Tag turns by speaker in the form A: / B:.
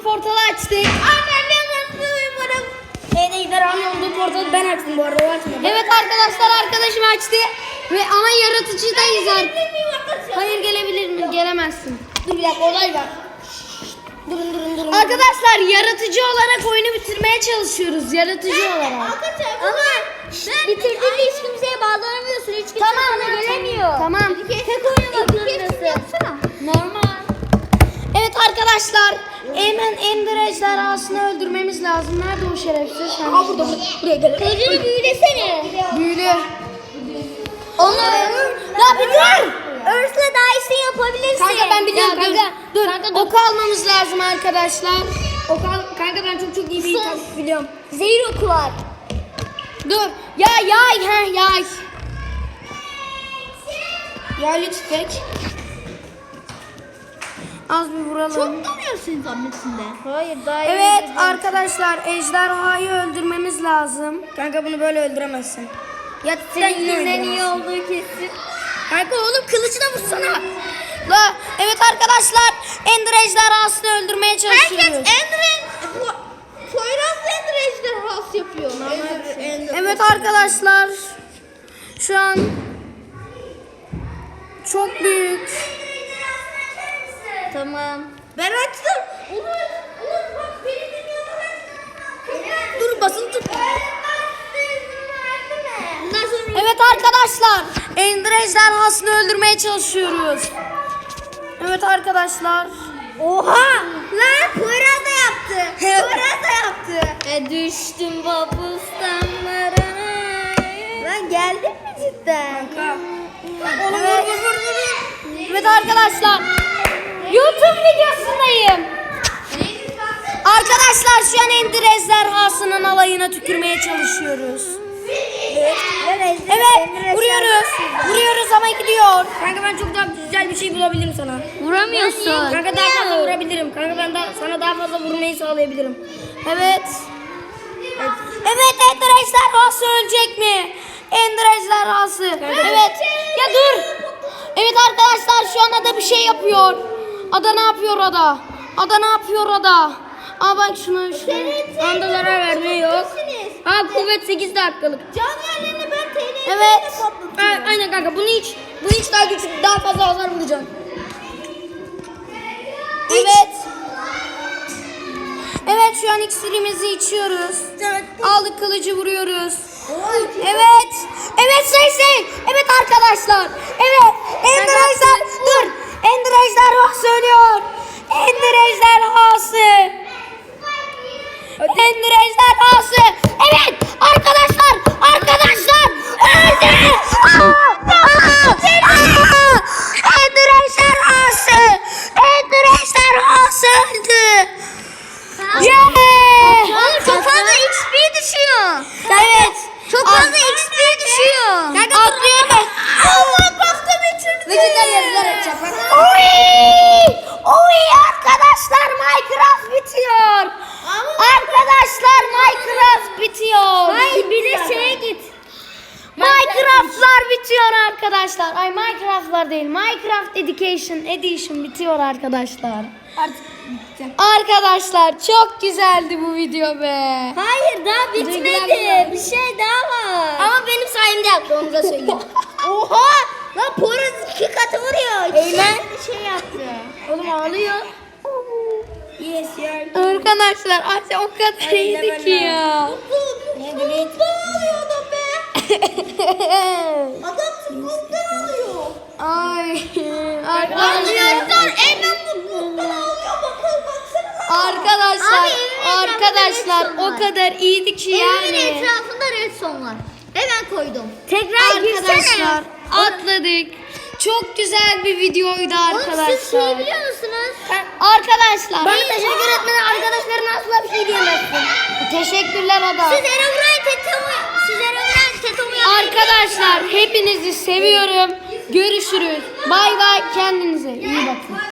A: portalı açtık.
B: Ejderhanın olduğu portalı ben açtım bu arada. O açmadı.
A: Evet arkadaşlar, arkadaşım açtı. Ve ama yaratıcıdayız artık. Hayır, gelebilir mi? Gelemezsin.
B: Dur bir dakika, olay var. Durun.
A: Arkadaşlar, yaratıcı olarak oyunu bitirmeye çalışıyoruz. Yaratıcı olarak.
B: Ama bitirdiğinde hiç kimseye bağlanamıyorsun. Hiç kimse sana gelemiyor.
A: Tamam.
B: Tek oynamak zorundasın.
A: Normal. Evet arkadaşlar, hemen Ender ejderhasını öldürmemiz lazım. Nerede o şerefsiz?
B: Aha burada. Buraya gel. Kılıcını büyülesene.
A: Büyülü.
B: Onu ya bir dur. Örsle daha iyisini yapabilirsin.
A: Kanka ben biliyorum
B: Ya,
A: kanka. Dur.
B: Kanka, dur.
A: Ok almamız lazım arkadaşlar.
B: Kanka ben çok iyi bir taktik biliyorum. Zehir oku var.
A: Dur. Yay. Yaylı tüfek. Az bir vuralım.
B: Donuyorsun zahmetinde. Hayır daha iyi.
A: Evet arkadaşlar, ejderhayı öldürmemiz lazım. Kanka bunu böyle öldüremezsin. Ya
B: Senin iyi olduğu kesin.
A: Kanka oğlum kılıcına vursana. Evet arkadaşlar, Ender ejderhasını öldürmeye çalışıyoruz.
B: Poyraz Ender ejderhası yapıyor.
A: Evet arkadaşlar, şu an çok büyük.
B: Tamam. Ben açtım. Bak beni dinliyorlar.
A: Dur basın tut.
B: Bundan sonra
A: Evet arkadaşlar, Ender ejderhasını öldürmeye çalışıyoruz. Evet arkadaşlar.
B: oha! Lan Poyraz da yaptı. Poyraz da yaptı. Düştüm babustamlarına. Lan geldin mi cidden?
A: Evet. Evet arkadaşlar, YouTube videosundayım. Arkadaşlar şu an Ender ejderhasının alayına tükürmeye çalışıyoruz. Evet, vuruyoruz ama gidiyor.
B: Kanka ben çok daha güzel bir şey bulabilirim sana.
A: Vuramıyorsun.
B: Kanka daha fazla vurabilirim. Kanka ben sana daha fazla vurmayı sağlayabilirim.
A: Evet. Evet, Ender ejderhası ölecek mi? Ender ejderhası. Evet. Ya dur. Evet arkadaşlar, şu an ada bir şey yapıyor. Ada ne yapıyor ada? Ada ne yapıyor ada? Aa bak şunu.
B: Anda zarar verme yok. Kuvvet 8 dakikalık. Can yerlerini ben TNT'yle
A: Evet.
B: Aynen kanka bunu hiç daha güçlü, daha fazla hasar vuracağım.
A: Evet. Evet şu an iksirimizi içiyoruz. Aldık kılıcı, vuruyoruz. Evet. Evet şey. Evet arkadaşlar. Evet. Ender ejder. Dur. Ender ejderhası ölüyor. Ender ejderhası. Ender ejderhası. Evet arkadaşlar. Öldü. Ender ejderhası. Ender ejderhası öldü. Yeah.
B: Oğlum çok fazla XP düşüyor.
A: Evet.
B: Çok fazla XP düşüyor.
A: Atlıyorum.
B: Allah başka bir çocuk.
A: Vücuttan yazılar açacak. Oy arkadaşlar, Minecraft bitiyor. Arkadaşlar Minecraft bitiyor.
B: Hayır bir de şeye git.
A: Minecraft'lar bitiyor arkadaşlar. Ay Minecraft'lar değil. Minecraft Edition bitiyor arkadaşlar. Arkadaşlar çok güzeldi bu video be.
B: Hayır daha bitmedi. Bir şey daha var. Ama benim sayemde yaptı, onu da söyleyeyim. Oha! Lan Poyraz 2 katı vuruyor.
A: Eymen.
B: Bir şey yaptı. Oğlum ağlıyor. Yes ya.
A: Arkadaşlar Asya o kadar iyiydi ki ya.
B: Mutlu ağlıyordu be. Adam mutluluktan ağlıyor.
A: Ay.
B: Arkadaşlar Eymen mutluluktan ağlıyor. Baksana.
A: Arkadaşlar,
B: Abi, evin
A: arkadaşlar
B: etrafında
A: o
B: red
A: kadar iyiydi ki
B: Evimin
A: yani.
B: etrafında redstone var. Hemen koydum. Tekrar
A: Arkadaşlar atladık. Çok güzel bir videoydu
B: Oğlum siz şey
A: arkadaşlar.
B: biliyor musunuz?
A: Arkadaşlar.
B: Bana teşekkür etmeden arkadaşlarına asla bir şey diyemezsin.
A: Teşekkürler Ada.
B: Siz Erevra'yı tetomu
A: Arkadaşlar hepinizi seviyorum. Görüşürüz. Bay bay, kendinize iyi bakın.